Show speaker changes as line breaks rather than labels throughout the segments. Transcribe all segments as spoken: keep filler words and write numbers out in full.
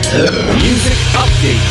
Music Update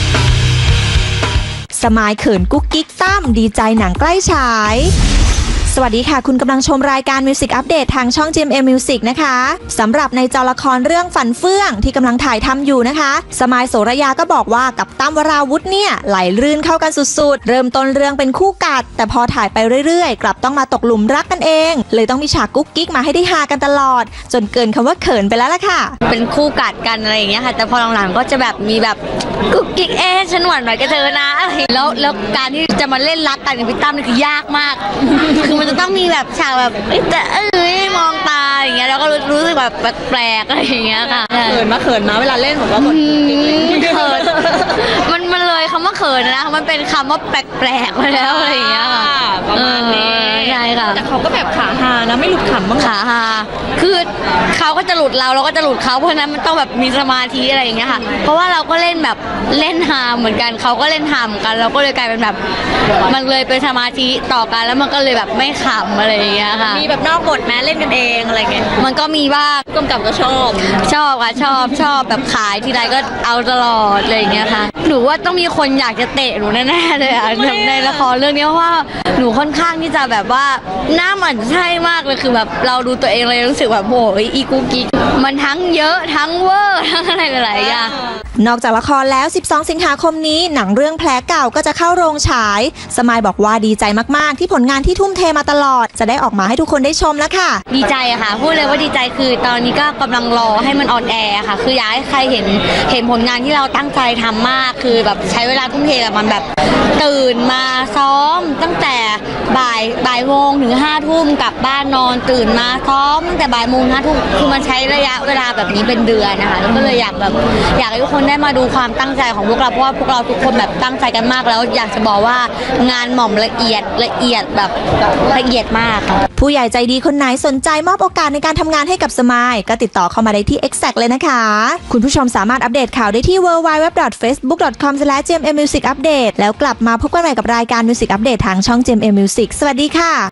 สมายเขินกุ๊กกิ๊กตั้มดีใจหนังใกล้ฉายสวัสดีค่ะคุณกำลังชมรายการ Music Update ทางช่อง จี เอ็ม เอ็ม Music นะคะสำหรับในจอละครเรื่องฝันเฟื่องที่กำลังถ่ายทำอยู่นะคะสมายโสระยาก็บอกว่ากับตั้มวราวุธเนี่ยไหลลื่นเข้ากันสุดๆเริ่มต้นเรื่องเป็นคู่กัดแต่พอถ่ายไปเรื่อยๆกลับต้องมาตกหลุมรักกันเองเลยต้องมีฉากกุ๊กกิ๊กมาให้ได้ฮากันตลอดจนเกินคำว่าเขินไปแล้วล่ะค่ะ
เป็นคู่กัดกันอะไรอย่างเงี้ยค่ะแต่พอหลังๆก็จะแบบมีแบบกุ๊กกิ๊กเอ๊ะฉันหวานหน่อยก็เธอนะแล้วแล้วการที่จะมาเล่นรักกันกับพี่ตั้มนี่คือยากมากคือมันจะต้องมีแบบฉากแบบแต่เอ้ยมองตาอย่างเงี้ยแล้วก็รู้สึกแบบแปลกๆอะไรอย่างเงี้ยค่ะ
เขินมาเขินมาเวลาเล่นผมก็กด
เขินมันมันเลยคำว่าเขินนะมันเป็นคำว่าแปลกๆไปแล้วอะไรอย่างเงี้ยค่ะ
ประมาณนี้
ใช่ค่ะ
แต่เขาก็แบบขาฮานะไม่หลุดขำบ้าง
ขาฮาคือเขาก็จะหลุดเราเราก็จะหลุดเขาเพราะนั้นมันต้องแบบมีสมาธิอะไรอย่างเงี้ยค่ะเพราะว่าเราก็เล่นแบบเล่นฮาเหมือนกันเขาก็เล่นฮาเหมือนกันเราก็เลยกลายเป็นแบบมันเลยเป็นสมาธิต่อกันแล้วมันก็เลยแบบไม่ขำอะไรอย่างเงี้ยค่ะ
มีแบบนอกบทแม้เล่นกันเองอะไรเงี้ย
มันก็มีบ้าง
กำกับก็ชอบ
ชอบค่ะชอบชอบแบบขายทีไรก็เอาตลอดอะไรอย่างเงี้ยค่ะหนูว่าต้องมีคนอยากจะเตะหนูแน่ๆเลยอ่ะในละครเรื่องนี้เพราะว่าหนูค่อนข้างที่จะแบบว่าหน้าหมั่นไส้มากเลยคือแบบเราดูตัวเองเลยรู้สึกแบบโอ้ยอีกูกิ๊กมันทั้งเยอะทั้งเวอร์ทั้งอะไรหลายๆอย่าง
นอกจากละครแล้วสิบสองสิงหาคมนี้หนังเรื่องแผลเก่าก็จะเข้าโรงฉายสมายบอกว่าดีใจมากๆที่ผลงานที่ทุ่มเทมาตลอดจะได้ออกมาให้ทุกคนได้ชมแล้วค่ะ
ดีใจอะค่ะพูดเลยว่าดีใจคือตอนนี้ก็กำลังรอให้มันออนแอร์ค่ะคืออยากให้ใครเห็นเห็นผลงานที่เราตั้งใจทำมากคือแบบใช้เวลาทุ่มเทกับมันแบบตื่นมาซ้อมตั้งแต่บ่ายบ่ายโมงถึงห้าทุ่มกลับบ้านนอนตื่นมาซ้อมตั้งแต่บ่ายโมงห้าทุ่มคือมันใช้ระยะเวลาแบบนี้เป็นเดือนนะคะแล้วก็เลยอยากแบบอยากให้ทุกคนได้มาดูความตั้งใจของพวกเราเพราะว่าพวกเราทุกคนแบบตั้งใจกันมากแล้วอยากจะบอกว่างานหม่อมละเอียดละเอียดแบบละเอียดมากค่ะ
ผู้ใหญ่ใจดีคนไหนสนใจมอบโอกาสในการทำงานให้กับสมายก็ติดต่อเข้ามาได้ที่ Exact เลยนะคะคุณผู้ชมสามารถอัปเดตข่าวได้ที่ ดับเบิลยู ดับเบิลยู ดับเบิลยู ดอท เฟซบุ๊ก ดอท คอม สแลช จี เอ็ม เอ็ม มิวสิก อัปเดต แล้วกลับมาพบกันใหม่กับรายการ Music Update ทางช่อง จี เอ็ม เอ็ม Music สวัสดีค่ะ